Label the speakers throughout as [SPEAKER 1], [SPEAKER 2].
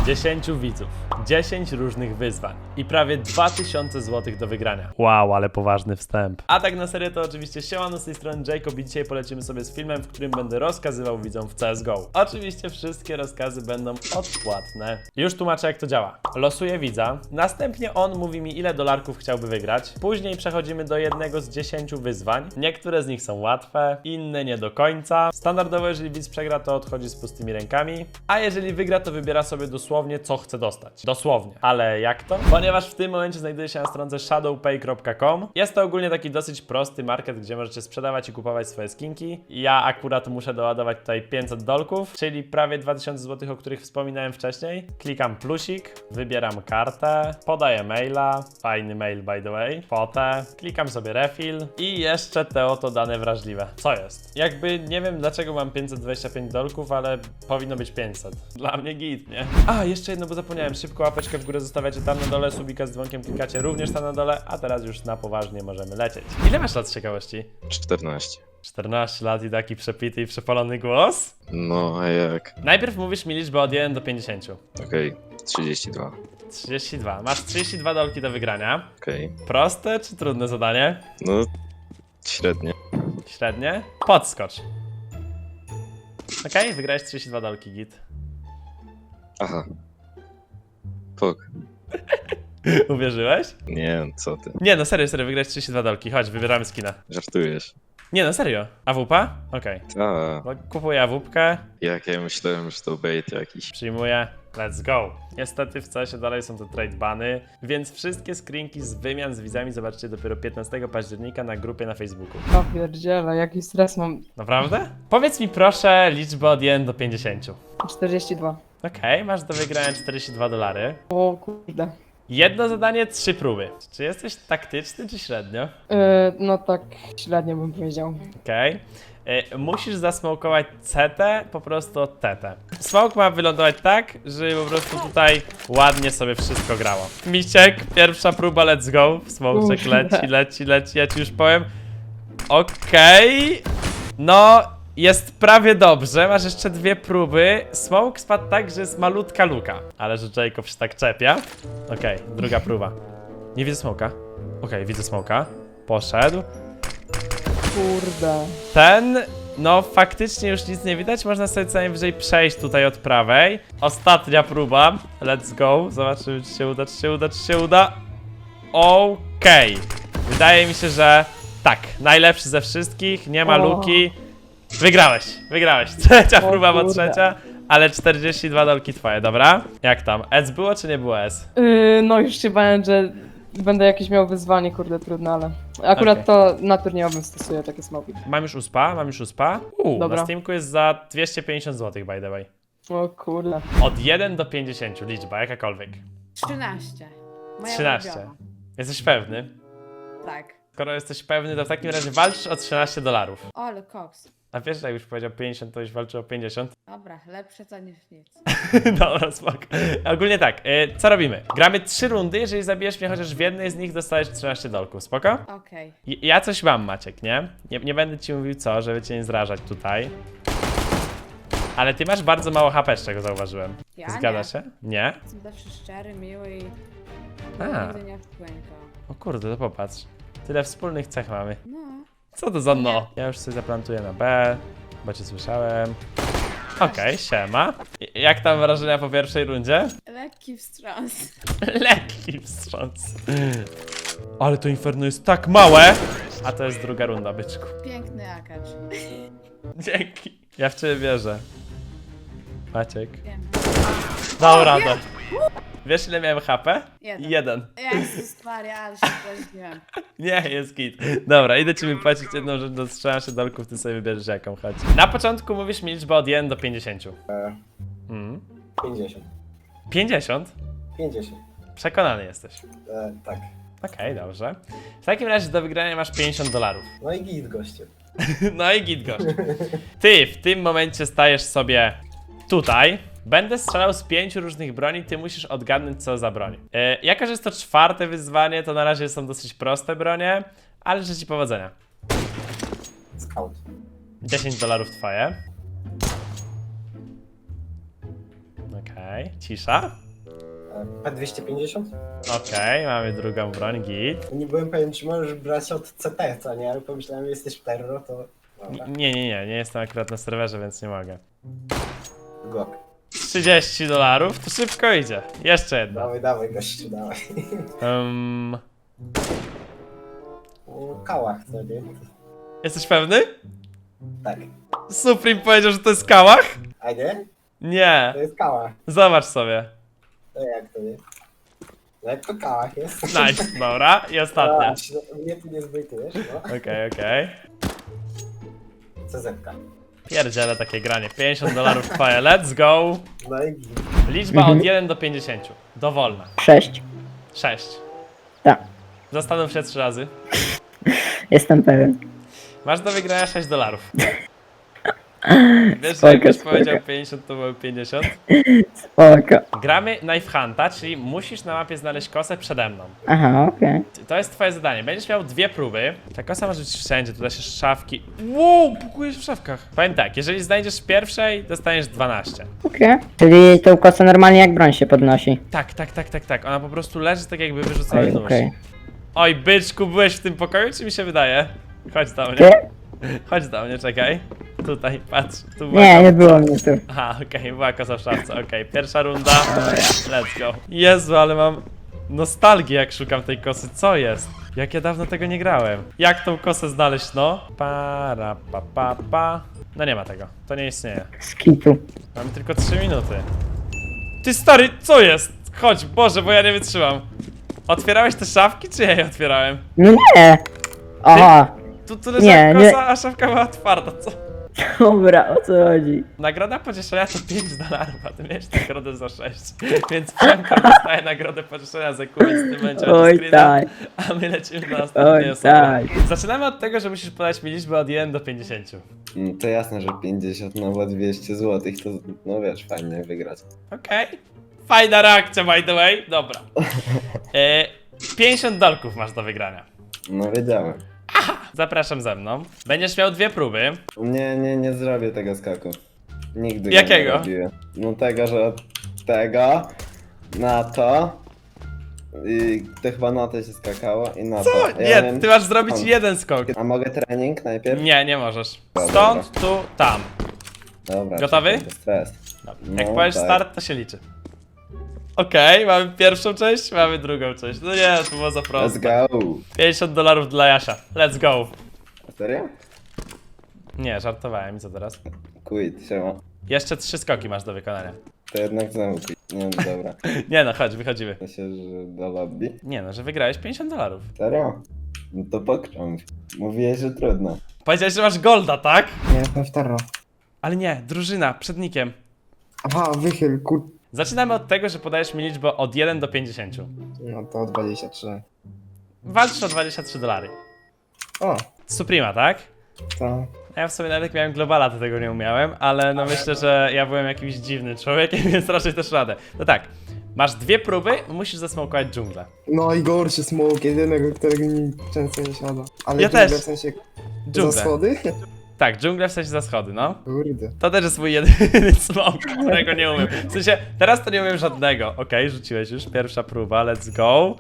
[SPEAKER 1] 10 widzów, 10 różnych wyzwań i prawie 2000 zł do wygrania. Wow, ale poważny wstęp. A tak na serio to oczywiście siemano, z tej strony Jacob i dzisiaj polecimy sobie z filmem, w którym będę rozkazywał widzom w CSGO. Oczywiście wszystkie rozkazy będą odpłatne. Już tłumaczę, jak to działa. Losuję widza, następnie on mówi mi, ile dolarków chciałby wygrać. Później przechodzimy do jednego z 10 wyzwań. Niektóre z nich są łatwe, inne nie do końca. Standardowo, jeżeli widz przegra, to odchodzi z pustymi rękami, a jeżeli wygra, to wybiera sobie dosłownie, co chce dostać. Dosłownie. Ale jak to? Ponieważ w tym momencie znajduje się na stronce shadowpay.com. Jest to ogólnie taki dosyć prosty market, gdzie możecie sprzedawać i kupować swoje skinki. Ja akurat muszę doładować tutaj 500 dolków, czyli prawie 2000 zł, o których wspominałem wcześniej. Klikam plusik, wybieram kartę, podaję maila, fajny mail by the way, fotę, klikam sobie refill i jeszcze te oto dane wrażliwe. Co jest? Jakby nie wiem, dlaczego mam 525 dolków, ale powinno być 500. Dla mnie git, nie? A, jeszcze jedno, bo zapomniałem. Szybko łapeczkę w górę zostawiacie tam na dole, subika z dzwonkiem klikacie również tam na dole, a teraz już na poważnie możemy lecieć. Ile masz lat z ciekawości?
[SPEAKER 2] 14.
[SPEAKER 1] 14 lat i taki przepity i przepalony głos?
[SPEAKER 2] No, a jak?
[SPEAKER 1] Najpierw mówisz mi liczbę od 1 do 50.
[SPEAKER 2] Okej, 32.
[SPEAKER 1] 32. Masz 32 dolki do wygrania.
[SPEAKER 2] Okej.
[SPEAKER 1] Proste czy trudne zadanie?
[SPEAKER 2] No, średnie.
[SPEAKER 1] Średnie? Podskocz. Okej, wygrałeś 32 dolki, git.
[SPEAKER 2] Aha. Pok.
[SPEAKER 1] Uwierzyłeś?
[SPEAKER 2] Nie, co ty?
[SPEAKER 1] Nie, no serio, wygrałeś 32 dolki. Chodź, wybieramy skina.
[SPEAKER 2] Żartujesz.
[SPEAKER 1] Nie, no serio. AWP? Okej.
[SPEAKER 2] Ta.
[SPEAKER 1] No, kupuję AWP,
[SPEAKER 2] Jak ja myślałem, że to bait jakiś.
[SPEAKER 1] przyjmuję. Let's go. Niestety w CS-ie dalej są to trade bany, więc wszystkie screenki z wymian z widzami zobaczycie dopiero 15 października na grupie na Facebooku.
[SPEAKER 3] O pierdziele, jaki stres mam.
[SPEAKER 1] Naprawdę? Powiedz mi proszę liczbę od 1 do 50.
[SPEAKER 3] 42.
[SPEAKER 1] Okej, masz do wygrania 42 dolary.
[SPEAKER 3] O kurde.
[SPEAKER 1] Jedno zadanie, 3 próby. Czy jesteś taktyczny, czy średnio?
[SPEAKER 3] No tak średnio bym powiedział.
[SPEAKER 1] Okej. Musisz zasmokować CT po prostu od TT. Smoke ma wylądować tak, żeby po prostu tutaj ładnie sobie wszystko grało. Misiek, pierwsza próba, let's go. Smokeczek
[SPEAKER 3] Kurde.
[SPEAKER 1] leci, ja ci już powiem. Okej. No, jest prawie dobrze, masz jeszcze 2 próby. Smoke spadł tak, że jest malutka luka. Ale że Jacob się tak czepia. Okej, druga próba. Nie widzę smoka. Okej, widzę smoka. Poszedł.
[SPEAKER 3] Kurde.
[SPEAKER 1] Ten, no faktycznie już nic nie widać, można sobie co najwyżej przejść tutaj od prawej. Ostatnia próba, let's go, zobaczymy czy się uda, czy się uda, czy się uda. Okej, wydaje mi się, że tak, najlepszy ze wszystkich, nie ma
[SPEAKER 3] O.
[SPEAKER 1] luki. Wygrałeś, trzecia
[SPEAKER 3] O
[SPEAKER 1] próba, bo
[SPEAKER 3] kurde.
[SPEAKER 1] trzecia, ale 42 dolki twoje, dobra? Jak tam, S było czy nie było S?
[SPEAKER 3] No już się bałem, że będę jakieś miał wyzwanie, kurde, trudne, ale akurat
[SPEAKER 1] Okej.
[SPEAKER 3] to na turniejowym stosuję takie smoki.
[SPEAKER 1] Mam już uspa.
[SPEAKER 3] Dobra.
[SPEAKER 1] Na Steamku jest za 250 zł by the way.
[SPEAKER 3] O kurde.
[SPEAKER 1] Od 1 do 50, liczba jakakolwiek.
[SPEAKER 4] 13. Moja
[SPEAKER 1] 13.
[SPEAKER 4] ulubiona.
[SPEAKER 1] Jesteś pewny?
[SPEAKER 4] Tak.
[SPEAKER 1] Skoro jesteś pewny, to w takim razie walczysz o 13 dolarów.
[SPEAKER 4] O, ale koks.
[SPEAKER 1] A wiesz, że jak już powiedział 50, to już walczy o 50?
[SPEAKER 4] Dobra, lepsze to niż nic.
[SPEAKER 1] Dobra, spoko. Ogólnie tak, co robimy? Gramy 3 rundy, jeżeli zabijesz mnie chociaż w jednej z nich, dostajesz 13 dolków, spoko?
[SPEAKER 4] Okej.
[SPEAKER 1] Ja coś mam, Maciek, nie? Nie będę ci mówił co, żeby cię nie zrażać tutaj. Ale ty masz bardzo mało HP, z czego zauważyłem.
[SPEAKER 4] Ja
[SPEAKER 1] Zgadza
[SPEAKER 4] nie.
[SPEAKER 1] się? Nie?
[SPEAKER 4] Jestem zawsze szczery, miły i
[SPEAKER 1] A.
[SPEAKER 4] nigdy nie wpłynął.
[SPEAKER 1] O kurde, to popatrz. Tyle wspólnych cech mamy.
[SPEAKER 4] No.
[SPEAKER 1] Co to za no? Ja już sobie zaplantuję na B, bo cię słyszałem. Okej, siema. Jak tam wrażenia po pierwszej rundzie?
[SPEAKER 4] Lekki wstrząs.
[SPEAKER 1] Lekki wstrząs. Ale to inferno jest tak małe! A to jest druga runda, byczku.
[SPEAKER 4] Piękny akacz.
[SPEAKER 1] Dzięki. Ja w ciebie wierzę. Maciek.
[SPEAKER 4] Wiem.
[SPEAKER 1] Dobra,
[SPEAKER 4] O,
[SPEAKER 1] to. Wiesz ile miałem HP?
[SPEAKER 4] Jeden.
[SPEAKER 1] 1.
[SPEAKER 4] Jezus Maria, ale się poźniłem.
[SPEAKER 1] Nie, jest git. Dobra, idę ci wypłacić jedną rzecz do 13 dolków, ty sobie wybierzesz jaką, chodź. Na początku mówisz mi liczbę od 1 do 50.
[SPEAKER 5] 50.
[SPEAKER 1] 50?
[SPEAKER 5] 50.
[SPEAKER 1] Przekonany jesteś.
[SPEAKER 5] Tak.
[SPEAKER 1] Okej, dobrze. W takim razie do wygrania masz 50 dolarów.
[SPEAKER 5] No i git goście.
[SPEAKER 1] No i git gość. Ty w tym momencie stajesz sobie tutaj. Będę strzelał z 5 różnych broni, ty musisz odgadnąć co za broń. Jako, że jest to 4. wyzwanie, to na razie są dosyć proste bronie, ale życzę ci powodzenia.
[SPEAKER 5] Scout.
[SPEAKER 1] 10 dolarów twoje. Okej, cisza.
[SPEAKER 5] P250?
[SPEAKER 1] Okej, mamy drugą broń, git.
[SPEAKER 5] Nie byłem pewien, czy możesz brać od CT, co nie? Ale pomyślałem, że jesteś w terror, to... Dobra,
[SPEAKER 1] Nie jestem akurat na serwerze, więc nie mogę.
[SPEAKER 5] Glock.
[SPEAKER 1] $30, to szybko idzie. Jeszcze jedna.
[SPEAKER 5] Dawaj, gościu, dawaj. O, kałach, co nie?
[SPEAKER 1] Jesteś pewny?
[SPEAKER 5] Tak.
[SPEAKER 1] Supreme powiedział, że to jest kałach?
[SPEAKER 5] A nie?
[SPEAKER 1] Nie.
[SPEAKER 5] To jest kałach.
[SPEAKER 1] Zobacz sobie.
[SPEAKER 5] To jak to nie? No jak to kałach jest.
[SPEAKER 1] Nice, dobra. I ostatnia.
[SPEAKER 5] Mnie tu nie zbytujesz, no.
[SPEAKER 1] Okej.
[SPEAKER 5] CZ-ka.
[SPEAKER 1] Pierdziele takie granie. $50 twoje, let's go.
[SPEAKER 5] No i git.
[SPEAKER 1] Liczba od 1 do 50. Dowolna.
[SPEAKER 6] 6.
[SPEAKER 1] 6.
[SPEAKER 6] Tak,
[SPEAKER 1] Zastanów się 3 razy.
[SPEAKER 6] jestem pewien.
[SPEAKER 1] Masz do wygrania $6. Wiesz, że
[SPEAKER 6] Spoko,
[SPEAKER 1] jakbyś
[SPEAKER 6] spoko.
[SPEAKER 1] powiedział 50, to były 50.
[SPEAKER 6] Spoko.
[SPEAKER 1] Gramy Knife Hunta, czyli musisz na mapie znaleźć kosę przede mną.
[SPEAKER 6] Aha, okej.
[SPEAKER 1] To jest twoje zadanie. Będziesz miał 2 próby. Ta kosa może być wszędzie, tu da się szafki. Wow, pukujesz w szafkach. Powiem tak, jeżeli znajdziesz w pierwszej, dostaniesz 12.
[SPEAKER 6] Okej. Czyli tą kosę normalnie jak broń się podnosi.
[SPEAKER 1] Tak. Ona po prostu leży tak jakby wyrzucony
[SPEAKER 6] Okej,
[SPEAKER 1] nóż.
[SPEAKER 6] okej.
[SPEAKER 1] Oj, byczku, byłeś w tym pokoju, czy mi się wydaje? Chodź do mnie.
[SPEAKER 6] Ty?
[SPEAKER 1] Chodź do mnie, czekaj. Tutaj, patrz. Tu była
[SPEAKER 6] Nie,
[SPEAKER 1] kosa.
[SPEAKER 6] nie było mnie tu.
[SPEAKER 1] Aha, okej, była kosa w szafce, okej. Pierwsza runda. Let's go. Jezu, ale mam nostalgię, jak szukam tej kosy. Co jest? Jak ja dawno tego nie grałem. Jak tą kosę znaleźć, no? Pa. No nie ma tego. To nie istnieje.
[SPEAKER 6] Skitu.
[SPEAKER 1] Mamy tylko 3 minuty. Ty stary, co jest? Chodź, Boże, bo ja nie wytrzymam. Otwierałeś te szafki, czy ja je otwierałem?
[SPEAKER 6] No nie! Aha,
[SPEAKER 1] Tu leżała
[SPEAKER 6] Nie,
[SPEAKER 1] kosa,
[SPEAKER 6] nie.
[SPEAKER 1] a szafka była otwarta, co?
[SPEAKER 6] dobra, o co chodzi?
[SPEAKER 1] Nagroda pocieszenia to $5, a ty miałeś nagrodę za 6. Więc Franko dostaje nagrodę pocieszenia za quiz w tym momencie
[SPEAKER 6] Oj
[SPEAKER 1] screena,
[SPEAKER 6] tak,
[SPEAKER 1] a my lecimy do następnej
[SPEAKER 6] oj
[SPEAKER 1] osoby.
[SPEAKER 6] tak.
[SPEAKER 1] Zaczynamy od tego, że musisz podać mi liczbę od 1 do 50.
[SPEAKER 7] No to jasne, że 50, no bo 200 zł to, no wiesz, fajnie wygrać.
[SPEAKER 1] Okej. Fajna reakcja, by the way. Dobra. $50 masz do wygrania.
[SPEAKER 7] No wiedziałem.
[SPEAKER 1] Zapraszam ze mną. Będziesz miał 2 próby.
[SPEAKER 7] Nie zrobię tego skaku. Nigdy go
[SPEAKER 1] Jakiego?
[SPEAKER 7] nie robiłem. No tego, że od tego na to i to chyba na to się skakało i na
[SPEAKER 1] Co?
[SPEAKER 7] to.
[SPEAKER 1] Nie,
[SPEAKER 7] Ja wiem-
[SPEAKER 1] ty masz zrobić
[SPEAKER 7] Stąd.
[SPEAKER 1] jeden skok.
[SPEAKER 7] A mogę trening najpierw?
[SPEAKER 1] Nie możesz.
[SPEAKER 7] Dobra,
[SPEAKER 1] Stąd, tu, tam.
[SPEAKER 7] Dobra.
[SPEAKER 1] Gotowy?
[SPEAKER 7] czekaj, bez stres.
[SPEAKER 1] Jak
[SPEAKER 7] No,
[SPEAKER 1] powiesz
[SPEAKER 7] tak.
[SPEAKER 1] start, to się liczy. Okej, mamy pierwszą część, mamy drugą część. No nie, to było za
[SPEAKER 7] Let's
[SPEAKER 1] proste.
[SPEAKER 7] go.
[SPEAKER 1] $50 dla Jasia. Let's go.
[SPEAKER 7] Serio?
[SPEAKER 1] Nie, żartowałem. I co teraz?
[SPEAKER 7] Quit, siema.
[SPEAKER 1] Jeszcze 3 skoki masz do wykonania.
[SPEAKER 7] To jednak znowu quit. Nie, no dobra.
[SPEAKER 1] Nie no, chodź, wychodzimy.
[SPEAKER 7] To się, że do lobby.
[SPEAKER 1] Nie no, że wygrałeś $50.
[SPEAKER 7] Serio? No to pokrząć. Mówiłeś, że trudno.
[SPEAKER 1] Powiedziałeś, że masz golda, tak?
[SPEAKER 8] Nie, jestem w terror.
[SPEAKER 1] Ale nie, drużyna, przed nikiem.
[SPEAKER 8] Aha, wychyl,
[SPEAKER 1] Zaczynamy od tego, że podajesz mi liczbę od 1 do 50.
[SPEAKER 8] No to 23.
[SPEAKER 1] Walczysz o $23.
[SPEAKER 8] O,
[SPEAKER 1] Suprema, tak?
[SPEAKER 8] to...
[SPEAKER 1] Ja w sobie nawet jak miałem globala, to tego nie umiałem, ale no myślę, że ja byłem jakimś dziwnym człowiekiem, więc raczej też radę. No tak, masz 2 próby, musisz zasmokować dżunglę.
[SPEAKER 8] No i gorszy smoke, jedynego, którego mi często nie siada. Ale
[SPEAKER 1] Ja
[SPEAKER 8] dżunglę
[SPEAKER 1] też.
[SPEAKER 8] w sensie
[SPEAKER 1] Dżunglę.
[SPEAKER 8] za schody?
[SPEAKER 1] Tak, dżunglę w sensie za schody, no.
[SPEAKER 8] Kurde.
[SPEAKER 1] To też jest mój jedyny smoke, którego nie umiem. W sensie, teraz to nie umiem żadnego. Okej, rzuciłeś już, pierwsza próba, let's go.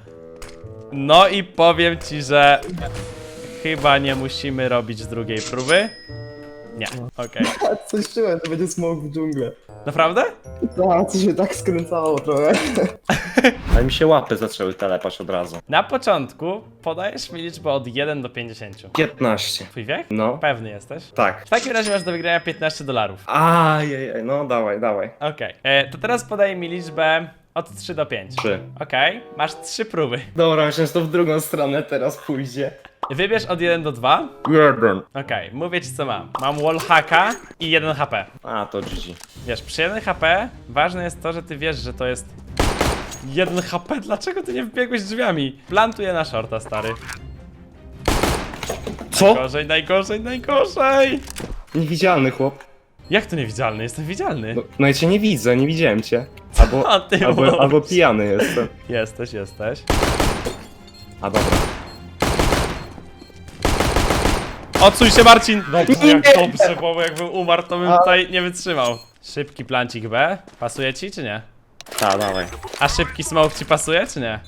[SPEAKER 1] No i powiem ci, że chyba nie musimy robić drugiej próby. Nie, okej.
[SPEAKER 8] Coś czułem, że będzie smoke w dżunglę.
[SPEAKER 1] Naprawdę?
[SPEAKER 8] Tak, co się tak skręcało trochę.
[SPEAKER 9] Ale mi się łapy zaczęły telepać od razu.
[SPEAKER 1] Na początku podajesz mi liczbę od 1 do 50.
[SPEAKER 9] 15.
[SPEAKER 1] Twój wiek?
[SPEAKER 9] No.
[SPEAKER 1] Pewny jesteś?
[SPEAKER 9] Tak.
[SPEAKER 1] W takim razie masz do wygrania $15.
[SPEAKER 9] Ajajaj, no dawaj.
[SPEAKER 1] Okej, to teraz podaj mi liczbę od 3 do 5.
[SPEAKER 9] 3.
[SPEAKER 1] Okej, masz 3 próby.
[SPEAKER 9] Dobra, myślę, że to w drugą stronę teraz pójdzie.
[SPEAKER 1] Wybierz od 1 do 2.
[SPEAKER 9] 1.
[SPEAKER 1] Okej, mówię ci co mam. Mam wallhacka i 1 HP.
[SPEAKER 9] A, to GG.
[SPEAKER 1] Wiesz, przy 1 HP ważne jest to, że ty wiesz, że to jest 1 HP. Dlaczego ty nie wbiegłeś drzwiami? Plantuję na shorta, stary.
[SPEAKER 9] Co?
[SPEAKER 1] Najgorzej!
[SPEAKER 9] Niewidzialny chłop.
[SPEAKER 1] Jak to niewidzialny? Jestem widzialny.
[SPEAKER 9] No ja cię nie widzę, nie widziałem cię.
[SPEAKER 1] A ty mówisz?
[SPEAKER 9] Albo pijany jestem.
[SPEAKER 1] Jesteś.
[SPEAKER 9] A dobra.
[SPEAKER 1] Odsuń się, Marcin! Dobrze, jak dobrze, bo jakbym umarł, to bym tutaj nie wytrzymał. Szybki plancik B. Pasuje ci, czy nie?
[SPEAKER 9] Ta, dawaj.
[SPEAKER 1] A szybki smoke ci pasuje, czy nie?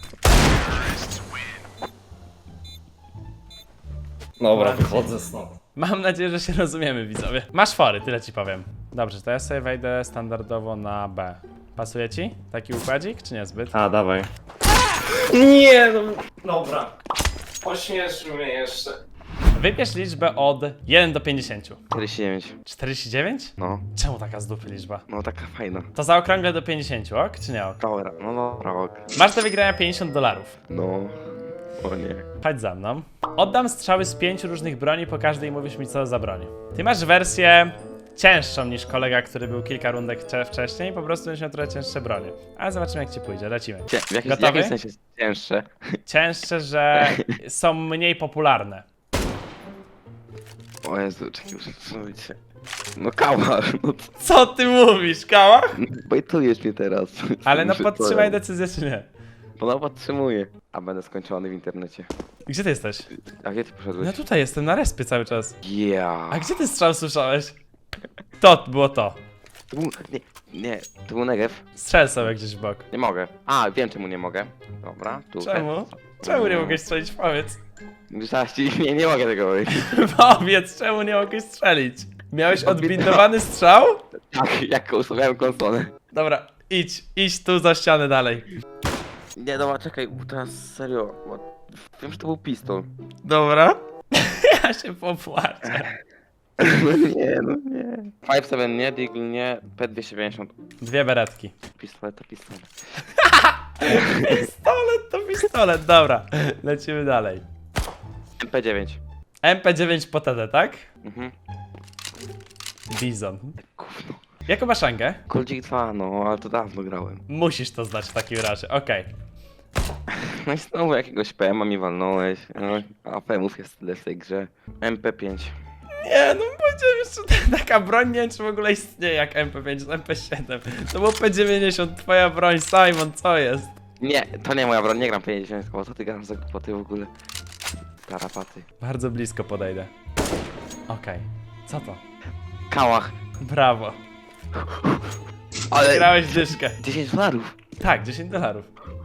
[SPEAKER 9] Dobra, wychodzę stąd.
[SPEAKER 1] Mam nadzieję, że się rozumiemy, widzowie. Masz fory, tyle ci powiem. Dobrze, to ja sobie wejdę standardowo na B. Pasuje ci taki układzik, czy niezbyt?
[SPEAKER 9] A, dawaj. Nie, no. Dobra. Pośmieszył mnie jeszcze.
[SPEAKER 1] Wybierz liczbę od 1 do 50.
[SPEAKER 10] 49.
[SPEAKER 1] 49?
[SPEAKER 10] No,
[SPEAKER 1] Czemu taka z dupy liczba?
[SPEAKER 10] no taka fajna.
[SPEAKER 1] To zaokrąglę do 50, ok? Czy nie ok?
[SPEAKER 10] Dobra, no dobra, ok.
[SPEAKER 1] Masz do wygrania $50.
[SPEAKER 10] No, o nie.
[SPEAKER 1] Chodź za mną. Oddam strzały z 5 różnych broni, po każdej mówisz mi co za broń. Ty masz wersję cięższą niż kolega, który był kilka rundek wcześniej, po prostu będziesz miał trochę cięższe bronie. Ale zobaczymy jak ci pójdzie, lecimy.
[SPEAKER 10] W jakim
[SPEAKER 1] Gotowy?
[SPEAKER 10] sensie cięższe?
[SPEAKER 1] Cięższe, że są mniej popularne.
[SPEAKER 10] O Jezu, czekaj, muszę zrobić się. No kałach, no
[SPEAKER 1] Co ty mówisz, Kałach?
[SPEAKER 10] bajtujesz mnie teraz.
[SPEAKER 1] Ale no
[SPEAKER 10] Muszę
[SPEAKER 1] podtrzymaj
[SPEAKER 10] to-
[SPEAKER 1] decyzję czy nie.
[SPEAKER 10] No podtrzymuję. A będę skończony w internecie.
[SPEAKER 1] Gdzie ty jesteś?
[SPEAKER 10] A gdzie ty poszedłeś?
[SPEAKER 1] Ja tutaj jestem na respie cały czas.
[SPEAKER 10] Yeah.
[SPEAKER 1] A gdzie ty strzał słyszałeś? To było to.
[SPEAKER 10] To był, nie, to był Negev.
[SPEAKER 1] Strzel sobie gdzieś w bok.
[SPEAKER 10] Nie mogę. A, wiem czemu nie mogę. Dobra, tu.
[SPEAKER 1] Czemu? Czemu nie mogłeś strzelić? Powiedz.
[SPEAKER 10] Zaraz ci, nie mogę tego powiedzieć.
[SPEAKER 1] Powiedz, czemu nie mogłeś strzelić? Miałeś odbindowany strzał?
[SPEAKER 10] Tak, jak ustawiałem konsolę.
[SPEAKER 1] Dobra, idź tu za ścianę dalej.
[SPEAKER 10] Nie, dobra, czekaj, teraz serio. Bo wiem, że to był pistol.
[SPEAKER 1] Dobra. Ja się popłaczę.
[SPEAKER 10] No nie. 5-7 nie, Deagle nie, P250.
[SPEAKER 1] 2 beretki.
[SPEAKER 10] Pistolet to pistolet.
[SPEAKER 1] Pistolet to pistolet, dobra. Lecimy dalej.
[SPEAKER 10] MP9.
[SPEAKER 1] MP9 po TD, tak?
[SPEAKER 10] Mhm.
[SPEAKER 1] Bizon.
[SPEAKER 10] Gówno.
[SPEAKER 1] Jaką masz rangę?
[SPEAKER 10] Coldzik 2, no, ale to dawno grałem.
[SPEAKER 1] Musisz to znać w takim razie, okej.
[SPEAKER 10] No i znowu jakiegoś PM-a mi walnąłeś. No, a PM-ów jest tyle w tej grze. MP5.
[SPEAKER 1] Nie, no powiedziałem jeszcze taka broń, nie wiem czy w ogóle istnieje jak MP5, MP7. To był P90, twoja broń, Simon, co jest?
[SPEAKER 10] Nie, to nie moja broń, nie gram 50, bo co ty gram za głupoty w ogóle? Tarapaty.
[SPEAKER 1] Bardzo blisko podejdę. Okej, co to?
[SPEAKER 10] Kałach.
[SPEAKER 1] Brawo.
[SPEAKER 10] Ale
[SPEAKER 1] Grałeś dyszkę.
[SPEAKER 10] $10.
[SPEAKER 1] Tak, $10.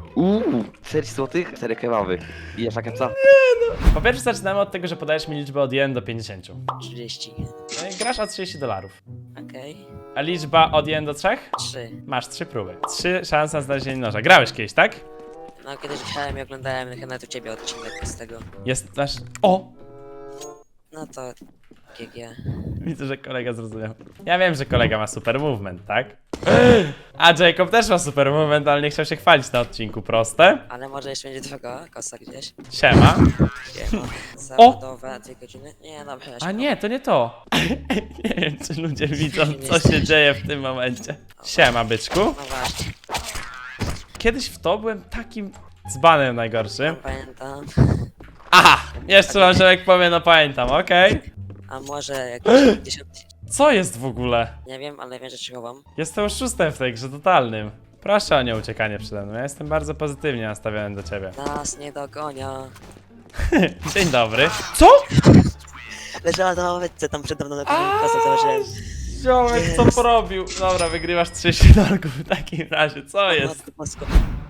[SPEAKER 10] 40 zł, 4 kebaby. I jeszcze kepsa?
[SPEAKER 1] Po pierwsze zaczynamy od tego, że podajesz mi liczbę od 1 do 50.
[SPEAKER 11] 30.
[SPEAKER 1] No i grasz o $30.
[SPEAKER 11] Okej.
[SPEAKER 1] A liczba od 1 do 3?
[SPEAKER 11] 3.
[SPEAKER 1] Masz 3 próby. 3 szanse na znalezienie noża. Grałeś kiedyś, tak?
[SPEAKER 11] No kiedyś grałem i oglądałem chyba u ciebie odcinek z tego.
[SPEAKER 1] Jest nasz... O!
[SPEAKER 11] No to GG.
[SPEAKER 1] Widzę, że kolega zrozumiał. Ja wiem, że kolega ma super movement, tak? A Jacob też ma super movement, ale nie chciał się chwalić na odcinku, proste.
[SPEAKER 11] Ale może jeszcze będzie twojego kosa gdzieś.
[SPEAKER 1] Siema.
[SPEAKER 11] Siema. Zawodowe 2 godziny. Nie, dobra, ja się
[SPEAKER 1] A nie, to nie to. Nie wiem, czy ludzie widzą, co się dzieje w tym momencie. Siema, byczku.
[SPEAKER 11] No właśnie,
[SPEAKER 1] Kiedyś w to byłem takim dzbanem najgorszym.
[SPEAKER 11] pamiętam.
[SPEAKER 1] Aha! Jeszcze wam Ziomek powie, no pamiętam, okej.
[SPEAKER 11] A może jakieś 10...
[SPEAKER 1] Co jest w ogóle?
[SPEAKER 11] Nie wiem, ale wiem, że ci chowam.
[SPEAKER 1] Jestem oszustem w tej grze totalnym. Proszę o nieuciekanie przede mną, ja jestem bardzo pozytywnie nastawiony do ciebie.
[SPEAKER 11] Nas nie dogonia.
[SPEAKER 1] Dzień dobry. Co?
[SPEAKER 11] Leżała na ławeczce tam przede mną na kosę założyłem.
[SPEAKER 1] Ziomek, co
[SPEAKER 11] Jest.
[SPEAKER 1] porobił? Dobra, wygrywasz $30 w takim razie, co jest?
[SPEAKER 11] Matko Bosko.